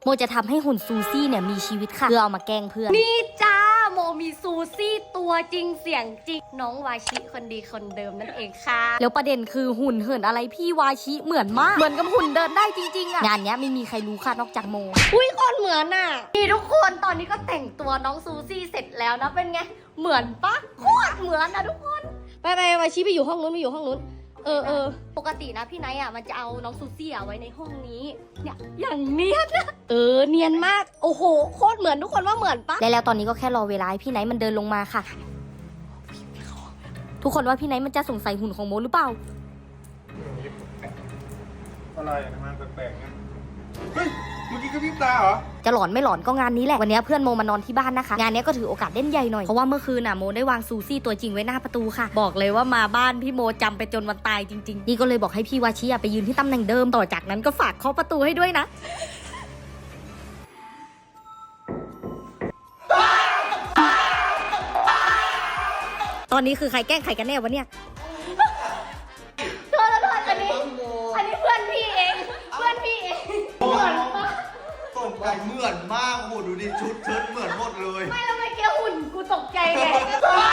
โมจะทำให้หุ่นซูซี่เนี่ยมีชีวิตค่ะเพื่อเอามาแกล้งเพื่อนนี่จ้าโมมีซูซี่ตัวจริงเสียงจริงน้องวาชิคนดีคนเดิมนั่นเองค่ะแล้วประเด็นคือหุ่นเหินอะไรพี่วาชิเหมือนมากเหมือนกับหุ่นเดินได้จริงๆอะงานเนี้ยไม่มีใครรู้ค่ะนอกจากโมอุ้ยคนเหมือนอะนี่ทุกคนตอนนี้ก็แต่งตัวน้องซูซี่เสร็จแล้วนะเป็นไงเหมือนปะโคตรเหมือนนะทุกคนไปวาชิไปอยู่ห้องนู้นปกตินะพี่ไนท์อ่ะมันจะเอาน้องซูซี่ไว้ในห้องนี้เนี่ยอย่างเนียนนะเนียนมากโอ้โหโคตรเหมือนทุกคนว่าเหมือนปะแล้วตอนนี้ก็แค่รอเวลาให้พี่ไนท์มันเดินลงมาค่ะทุกคนว่าพี่ไนท์มันจะสงสัยหุ่นของโมหรือเปล่าอะไรทำไมแปลกๆเนี่ยเฮ้ยเมื่อกี้ก็พริบตาเหรอจะหลอนไม่หลอนก็งานนี้แหละวันนี้เพื่อนโมมานอนที่บ้านนะคะงานนี้ก็ถือโอกาสเล่นใหญ่หน่อยเพราะว่าเมื่อคืนน่ะโมได้วางซูซี่ตัวจริงไว้หน้าประตูค่ะบอกเลยว่ามาบ้านพี่โมจำไปจนวันตายจริงๆนี่ก็เลยบอกให้พี่วาชิไปยืนที่ตำแหน่งเดิมต่อจากนั้นก็ฝากเคาะประตูให้ด้วยนะตอนนี้คือใครแกล้งใครกันแน่วะเนี่ยโทษอันนี้เพื่อนพี่เองเหมือนปะตกใจเหมือนมากโหดูดิชุดเหมือนหมดเลยไม่แล้วเมื่อกี้หุ่นกูตกใจไง